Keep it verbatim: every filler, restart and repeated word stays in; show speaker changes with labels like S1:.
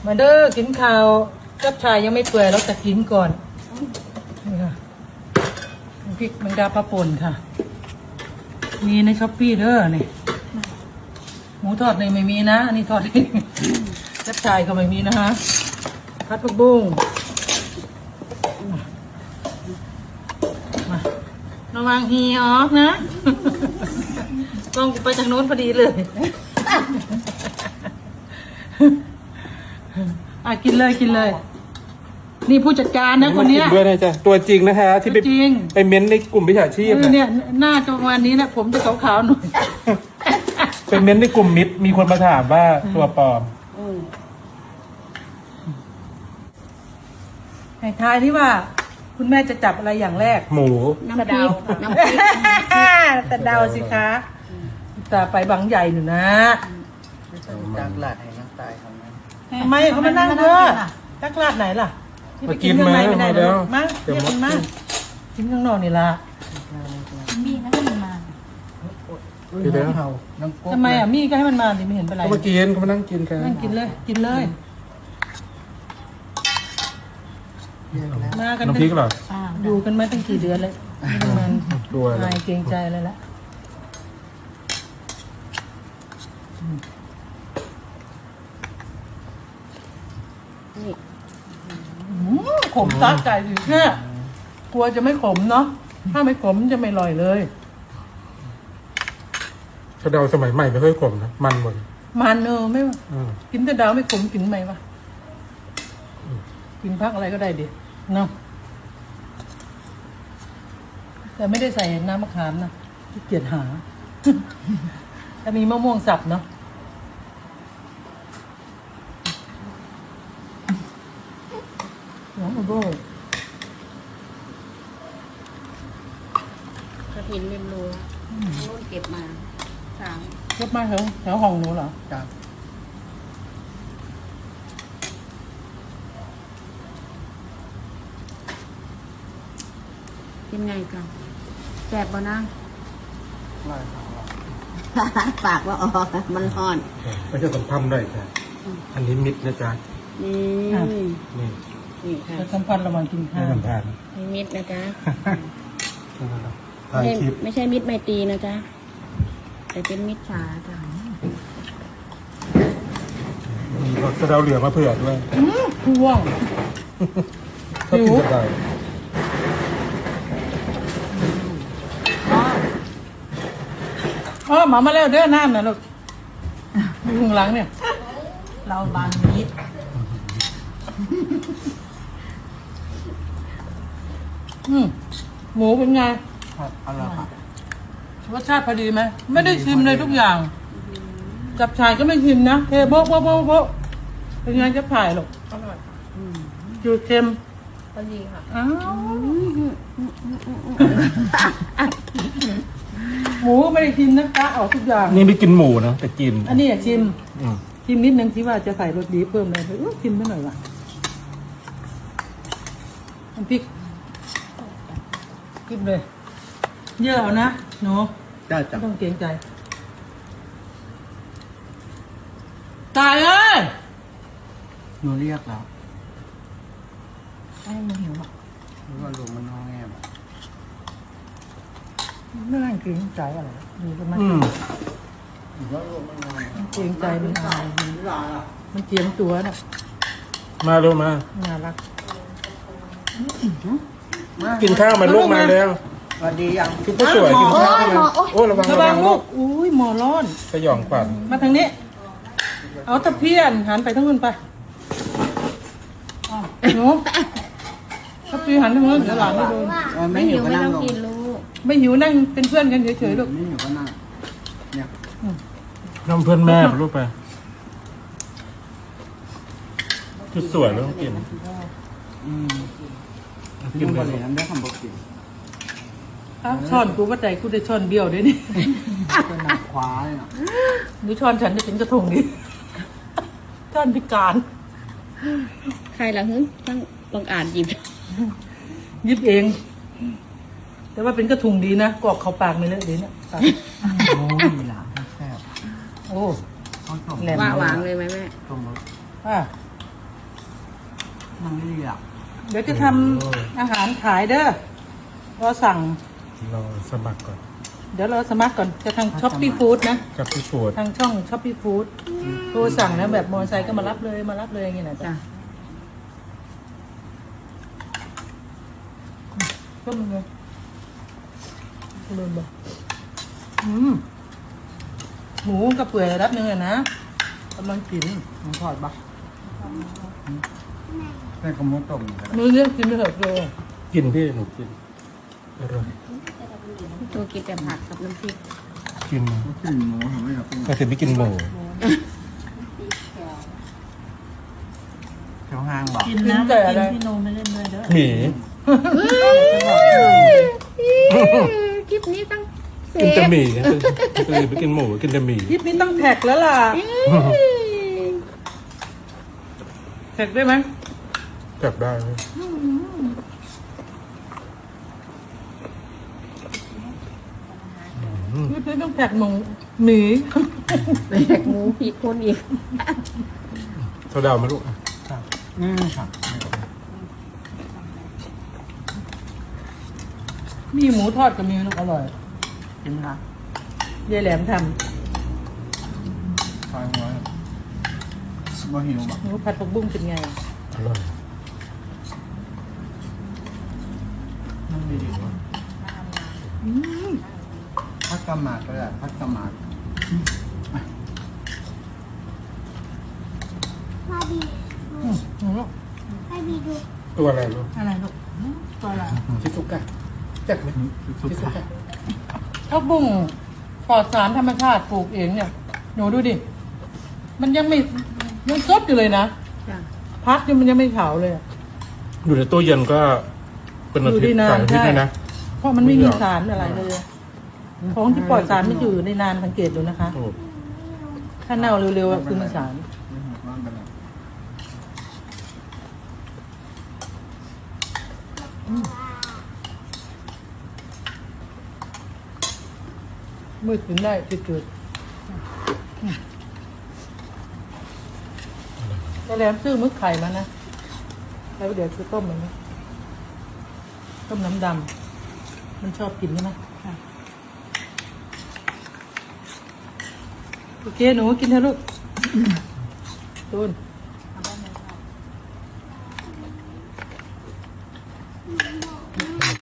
S1: มาเด้อกินข้าวกับชายยังไม่เปื่อยเราจะกินก่อนนี่ค่ะพริกแมงดาปลาป่นค่ะมีในช้อปปี้เด้อนี่หมูทอดในไม่มีนะอันนี้ทอดเองกับชายก็ไม่มีนะฮะพัดผักบุ้งมาระวังฮีออกนะกล้องไปทางโน้นพอดีเลยอ่ะกินเลยกินเลยนี่ผู้จัดการนะคนเนี้ย
S2: ด้วยนะจ๊ะตัวจริงนะฮะที่ไป
S1: จริง
S2: ไปเม้นในกลุ่มวิชาชีพ
S1: เออเนี่ยหน้าจังวันนี้นะผมจะขาวๆหน่อย
S2: ไปเม้นในกลุ่มมิตรมีคนมาถามว่าตัวปลอม
S1: ให้ทายที่ว่า คุณแม่จะจับอะไรอย่างแรก
S2: หมู
S3: น้ำพริกน้ำพริก
S1: แต่เดาสิคะตาไปบางใหญ่หนูนะ
S4: จากหลาดแห่งน้ำตายของนั้น
S1: ทำไมเขามานั่งเด้อตักลาดไหนล่ะที่ไปกินข้างในไม่ได้เด้อมาเรียกมันมากินข้างนอกนี่ล่ะ
S3: มีนะมันมา
S2: เดี๋ยวเดี๋ยว
S4: เฮาน้ำก๊ก
S1: ทำไมอ่ะมี่ก็ให้มันมาดิไม่เห็นเป็นไร
S2: เขามากินเขามานั่งกินกัน
S1: นั่งกินเลย กินเลยมากัน
S2: น้ำพริกเหรอ
S3: อ่า
S1: อยู่กันมาตั้งกี่เดือนเลยไม่ต้องมัน
S2: ดูอะไร
S1: นายเกรงใจเลยละขมตัดใจสิแค่กลัวจะไม่ขมเนาะถ้าไม่ขมจะไม่อร่อยเลย
S2: กระเดาสมัยใหม่ไม่ค่อยขมนะมันหมด
S1: มันเออไม่
S2: อืม
S1: กินแต่ดาวไม่ขมกินไหมวะกินพักอะไรก็ได้ดิเนาะแต่ไม่ได้ใส่น้ำมะขามนะขี้เกียจหา ถ้ามีมะม่วงสับเนาะหัวมะโบ้
S3: กระถินริมรั้วนู่นเก็บมาสาม
S1: เก็บมาแถวแถวห้องหนูเหรอ
S4: จาก
S3: เป็นไงกันแสบบ่นะ
S4: หลายของเรา
S3: ปากว่าออกมันร้อน
S2: ไม่ใช่สัมพันธ์ด้วยจ้ะอันนี้มิตรนะจ๊ะ
S3: นี่
S2: นี่
S3: นี่ค่ะ
S1: จะสัมพันธ์ระหว่างกินข้า
S2: ไม่
S1: ว
S2: สัมพันธ์
S3: มีมิตรนะจ๊ะ
S2: ถ่าย
S3: ไม่
S2: คลิป
S3: ไม่ใช่มิตรไมตรีนะจ๊ะแต่เป็นมิตรสาจ้ะ
S2: มีกระเดาเหลือมาเผื่อด้วย
S1: พ่วง
S2: ชอบกินกระเดา
S1: อ๋อหมามาแล้วเด้อน้ำนะลูกอยู่ข้างหลังเนี่ย
S3: เราบางมิตร
S1: อืมหมูเป็นไง
S4: ครับอร่อยครับ
S1: รสชาติพอดีไหมไม่ได้ชิมเลยทุกอย่าง จับฉ่ายก็ไม่ชิมนะเทโบ๊ะโบ๊ะโบ๊ะโบ๊ะเป็นไงจับฉ่ายหรอกอร่อยจืดเค็ม
S3: พอดีค่ะ
S1: อ้าวหมูก็ไม่ได้ชิมนะกะออกทุกอย่าง
S2: นี่ไม่กินหมูนะแต่กิน
S1: อันนี้อยากชิม
S2: อืม
S1: ชิมนิดนึงที่ว่าจะใส่รสดีเพิ่มเลยเออชิมไปหน่อยว่ะน้ำพริกกินเลยเยอะเอานะหนู
S4: ได้
S1: ไม่
S4: จาก
S1: ต้องเกรงใจตายเอ้ย
S4: หนูเรียกแล้ว
S3: ไอ้หิวอ่ะ
S4: หรือว่าลุงมันน้องแง่แบบ
S1: ไม่นั่งเกรงใจอะไรดูกันมา
S2: อืม
S4: หรือว่าลุงมันน้องแง่
S1: เกรงใจมันอายมันเจียมตัวน่ะ
S2: มาเร็วมา
S1: น่ารัก
S2: กินข้าวมาลูกมาแล้ว
S4: สวัสดียัง
S2: ชุดก็สวยกินข้าวมาโอ้ระวัง
S1: ระ
S2: ระ
S1: วั
S2: วั
S1: ง
S2: ง
S1: ลู
S2: ลู
S1: ก
S2: ก
S1: อุ้ยหมอร้อน
S2: สยองขวัญ
S1: มาทางนี้ เอาตะเพียนหันไปทางนู้นไปอ้าวหนูตะเพียนหันทางนู้นเดี๋ยวหลานไม่โดน
S4: เออ
S3: ไม่
S4: ไม่หิ
S3: หิ
S4: ว
S3: ว
S4: ก็
S3: ไม่
S4: นั่ง
S3: ต้อง
S4: ลง
S3: กินลูก
S1: ไม่หิวนั่งเป็นเพื่อนกันเฉยๆลูก
S4: ไม่หิวก็นั่งเนี่ย
S2: น้ำเพื่อนแม่ลูกไปชุดสวยแล้วต้องกิน
S4: อืม
S2: กิ
S4: กิ
S2: น
S4: น
S2: ไป
S4: บะห
S2: เล
S4: รี่
S2: ย
S4: น้ำได้คำบอกกิน
S1: อ้าวช้อนกูว่าใจกูได้ช้อนเบี้ยวด้วยนี่
S4: เป็นหนักคว้าเลยเนาะ
S1: หรือช้อนฉันจะเป็นกระทงดิช้อนพิการ
S3: ใครล่ะฮึต้องลองอ่านหยิบ
S1: ยิบเอง แต่ว่าเป็นกระทุงดีนะกรอกเข้าปากไม่เลอะดีเนี่ยปาก
S4: โอ้ยหลานแซ่บ
S1: โอ้
S4: เขาชม
S1: แหลม
S3: ว่าหวางเลยไหมแม่
S4: ชมรส
S1: อ่ะ
S4: มันไม่ดีอ่ะ
S1: เดี๋ยวจะทำอาหารขายเด้อรอสั่ง
S2: เราสมัครก่อน
S1: เดี๋ยวเราสมัครก่อนจะทางช้อปปี้ฟู้ดนะ
S2: กับพี่โฟด
S1: ทางช่องช้อปปี้ฟู้ดโทรสั่งนะแบบมอเตอร์ไซค์ก็มารับเลยมารับเลยอย่างเงี้ยนะจ๊ะ
S3: จ้ะ
S1: ก็มึงเลยลืมบอกอืมหมูกับเปื่อยระดับหนึงอะนะกำลังกินหมูทอดปะ
S4: แม่ขโมยต้มก็ได้
S1: มือเลือกกินไปเถอะเลย
S2: กินพี่หนูกินอร่อย
S3: ตัวกินแต่ผักกับน้ำพริก
S2: กิน
S4: ลูกชิ้นหมูทำไมครับ
S2: ก็ถึงไม่กินหมู
S4: แถวห้างบอก
S1: กินนะแต่อะไร
S2: หมี
S3: คลิปนี้ต้องเซ
S2: กินแต่
S3: ฟ
S2: หมี่นะคือไม่กินหมูกินแต่หมี่
S1: คลิปนี้ต้องแท็กแล้วล่ะแท็กได้ไหม
S2: กลับได้ไหม
S1: คลิปนี้ต้องแท็กหมูหมี
S3: แตกหมูผีคนอีก
S2: เขาดาวมาลูก
S4: อืมครับ
S1: มีหมูทอดกับมีลูกอร่อย
S4: กินไหมคะ
S1: ยายแหลมท
S4: ซอยหัวบ่หิวบอก
S1: ำหมูผัดผักบุ้งเป็นไง
S2: อร่อย
S4: มันดีดีวะพักกะหมากก็ได้พักกะหมาก
S5: พ่อบี
S1: อืมอืมลูก
S5: ให้บีดู
S2: ตัวอะไรลูก
S1: อะไรลูกอืมตัวอะไร
S2: ชิซุกะจักไหม
S4: สุด
S2: ชิซุกะ
S1: ผักบุ้งปลอดสารธรรมชาติปลูกเองเนี่ยหนูดูดิ มันยังไม่ยังสดอยู่เลยนะ
S3: จ้ะ
S1: พักยังมันยังไม่เผาเลยอะ
S2: อยู่ในตู้เย็นก็เป็นอาทิต
S1: อยู่
S2: ย์
S1: ได้นาน
S2: สามอาทิตย์
S1: ใช่
S2: เลยนะ
S1: เพราะมันไม่มีสารอะไรเลย ของที่ปลอดสารไม่อยู่ในนานสังเกตดูนะคะ
S2: โอ้
S1: ถ้าเน่าเร็วๆอะคือมีสาร
S4: ไม่หกร้อนไปแล้ว
S1: มืดถึงได้จืดๆแต่แหลมซื้อมึกไข่มานะแล้วเดี๋ยวจะต้มมันนะต้มน้ำดำมันชอบกินใช่ไหมโอเคหนูกินเถอะลูกตูน